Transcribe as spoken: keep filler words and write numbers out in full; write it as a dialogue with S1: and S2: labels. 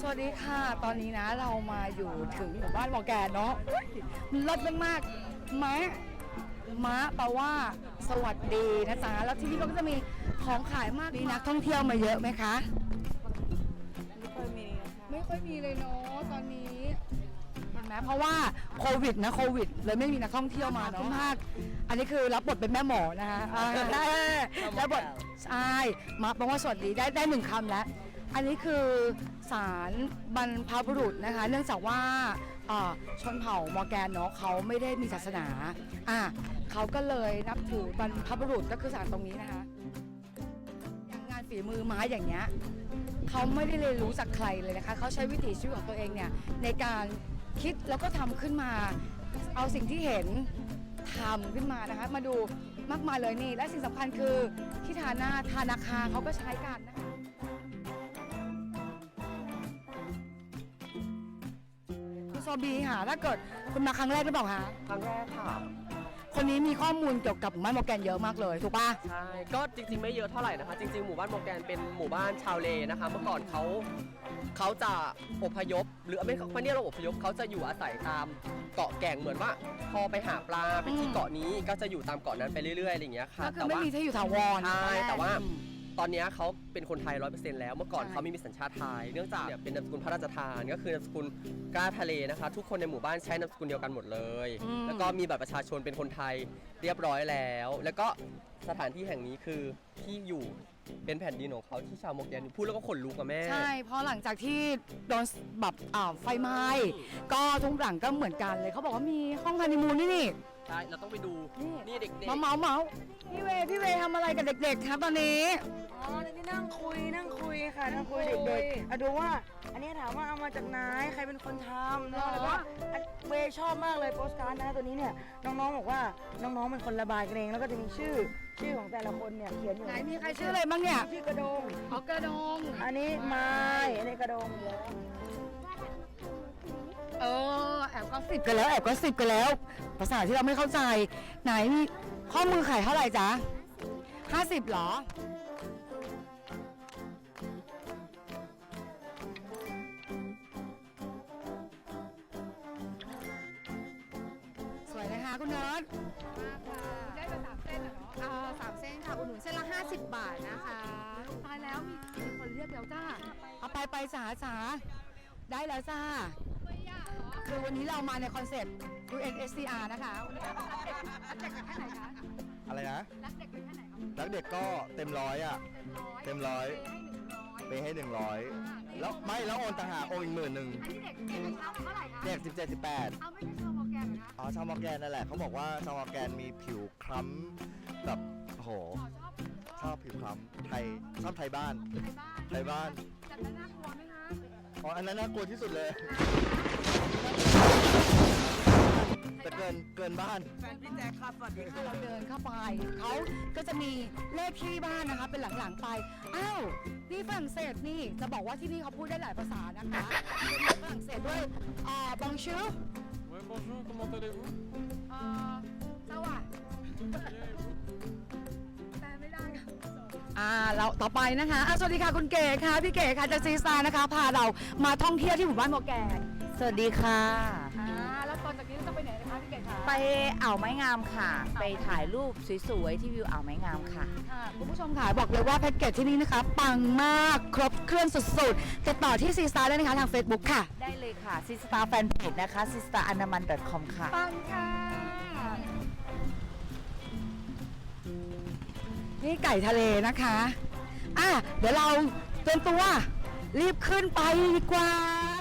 S1: สวัสดีค่ะตอนนี้นะเรามาอยู่ถึงหมู่บ้านมอแกนเนาะมันเลิศมากๆม้าม้าแปลว่าสวัสดีนะจ๊ะแล้วที่นี่ก็จะมีของขายมากมีนักท่องเที่ยวมาเยอะไหมคะไม่ค่อยมีไม่ค่อยมีเลยเนาะตอนนี้เห็นไหมเพราะว่าโควิดนะโควิดเลยไม่มีนักท่องเที่ยวมาเนาะมากอันนี้คือรับบทเป็นแม่หมอนะคะรับบทใช่มาแปลว่าสวัสดีได้ได้หนึ่งคำแล้วอันนี้คือศาลบรรพบุรุษนะคะเนื่องจากว่าชนเผ่ามอร์แกนเนาะเขาไม่ได้มีศาสนาอ่ะเขาก็เลยนับถือบรรพบุรุษก็คือศาลตรงนี้นะคะอย่างงานฝีมือไม้อย่างเงี้ยเขาไม่ได้เรียนรู้จากใครเลยนะคะเขาใช้วิถีชีวิตของตัวเองเนี่ยในการคิดแล้วก็ทำขึ้นมาเอาสิ่งที่เห็นทำขึ้นมานะคะมาดูมากมายเลยนี่และสิ่งสำคัญคือที่ทาหน้าทานาคาเขาก็ใช้กันนะคะโซบีค่ะถ้าเกิดคุณมาครั้งแรกหรือเปล่าคะ
S2: ครั้งแรกค่ะ
S1: คนนี้มีข้อมูลเกี่ยวกับหมู่บ้านมอร์แกนเยอะมากเลยถูกป่ะ
S2: ใช่ก็จริงๆไม่เยอะเท่าไหร่นะคะจริงๆหมู่บ้านมอร์แกนเป็นหมู่บ้านชาวเลนะคะเมื่อก่อนเขาเขาจะอพยพหรือไม่ไม่เนี่ยเราอพยพเขาจะอยู่อาศัยตามเกาะแก่งเหมือนว่าพอไปหาปลาไปที่เกาะนี้ก็จะอยู่ตามเกาะนั้นไปเรื่อยๆอะไรอย่างเงี้ยค่ะ
S1: ก็คือไม่มีที่อยู่ถาวร
S2: ใช่แต่ว่าตอนนี้เขาเป็นคนไทย ร้อยเปอร์เซ็นต์ แล้วเมื่อก่อนเขาไม่มีสัญชาติไทยเนื่องจากเป็นนามสกุลพระราชทานก็คือนามสกุลกล้าทะเลนะคะทุกคนในหมู่บ้านใช้นามสกุลเดียวกันหมดเลยแล้วก็มีบัตรประชาชนเป็นคนไทยเรียบร้อยแล้วแล้วก็สถานที่แห่งนี้คือที่อยู่เป็นแผ่นดินของเขาที่ชาวมอร์แกนพูดแล้วก็ขนลุกกับแม่
S1: ใช่เพราะหลังจากที่โดนแบบไฟไหม้ก็ทุกหลังก็เหมือนกันเลยเขาบอกว่ามีห้องฮันนีมูนนี่นี่
S2: ใช่เราต้องไปดูนี่เด็กๆ
S1: เมาเมาเมาพี่เวพี่เวทำอะไรกับเด็กๆครับตอนนี้
S3: อ๋อนี่นั่งคุยนั่งคุยค่ะนั่งคุยเด็กๆอะดูว่าอันนี้ถามว่าเอามาจากไหนใครเป็นคนทำแล้วก็เวชอบมากเลยโปสการ์ดนะตัวนี้เนี่ยน้องๆบอกว่าน้องๆเป็นคนระบายกันเองแล้วก็จะมีชื่อชื่อของแต่ละคนเนี่ยเขียนอยู่
S1: ไหนมีใครชื่ออะไรบ้างเนี่ย
S3: ชื่อกระดง
S1: อ๋อกระดง
S3: อันนี้ไม้อันนี้กระดง
S1: เออแอบก็สิบกันแล้วแอบก็สิบกันแล้วภาษาที่เราไม่เข้าใจไหนมีข้อมือขายเท่าไหร่จ๊ะห้าสิบหรอสวยนะคะคุณเนิร์ด
S4: ได้ไปสามเส้นเหรอเนาะสามเส้นค่ะอุดหนุนเส้นละห้าสิบบาทนะคะ
S1: ตายแล้วมีคนเรียกแล้วจ้าเอาไปไปสาสาได้แล้วจ้าคือวันนี้เรามาในคอนเซ็ปต์ ยู เอ็น เอส ซี อาร์ นะคะรักเด็กกันแค่ไหนคะ
S5: อะไรนะ
S1: รักเด็กเป็นแค่ไหนครับ
S5: รักเด็กก็เต็มร้อยอ่ะเต็มร้อยไปให้หนึ่งร้อยแล้วไม่แล้วโอนต่างหากโอนอีกหมื่นหนึ่ง
S1: อันนี้เด็กเด็กเท่าไหร่คะ
S5: เด็กสิบเจ็ดสิบแปด
S1: เอาไม่ใช่ชาวมอร์แกนเหรอคะ
S5: อ๋อชาวมอร์แกนนั่นแหละเขาบอกว่าชาวมอร์แกนมีผิวคล้ำแบบโอ้โหชอบผิวคล้ำไทยชอบไทยบ้านไทยบ้าน
S1: จัดแล้วน่ากลัวไหมคะ
S5: อ๋ออันนั้นน่ากลัวที่สุดเลยแต่เกินเกินบ้าน
S3: แฟนพี่แจ๊คค่ะสวัสดีค่ะ
S1: เราเดินเข้าไปเขาก็จะมีเลขที่บ้านนะคะเป็นหลังๆไปอ้าวนี่ฝรั่งเศสนี่จะบอกว่าที่นี่เขาพูดได้หลายภาษานะคะเป็นฝรั่งเศสด้วยอ่าบองชู
S6: Oui, bonjour, comment allez-vous
S1: อ่าสวัสดีแต่ไม่ได้ค่ะอ่าเราต่อไปนะคะอ่ะสวัสดีค่ะคุณเก๋ค่ะพี่เก๋ค่ะจากซีสตาร์นะคะพาเรามาท่องเที่ยวที่หมู่บ้านมอร์แกน
S7: สวัสดีค่ะ
S1: อ่าแล้วตอนจากนี้เราจะไปไหนนะคะพี่เก๋คะ
S7: ไปอ่าวไม้งามค่ะไปถ่ายรูปสวยๆที่วิวอ่าวไม้งามค่ะ
S1: ค่ะคุณผู้ชมค่ะบอกเลยว่าแพ็กเกจที่นี่นะคะปังมากครบเครื่องสุดๆติดต่อที่ซีสตาร์ได้นะคะทาง Facebook ค่ะ
S7: ได้เลยค่ะซีสตาร์แฟนเพจนะคะซีสตาร์อนามัน .com ค่ะ
S1: ปังค่ะนี่ไก่ทะเลนะคะอ่ะเดี๋ยวเราเตรียมตัวรีบขึ้นไปดีกว่า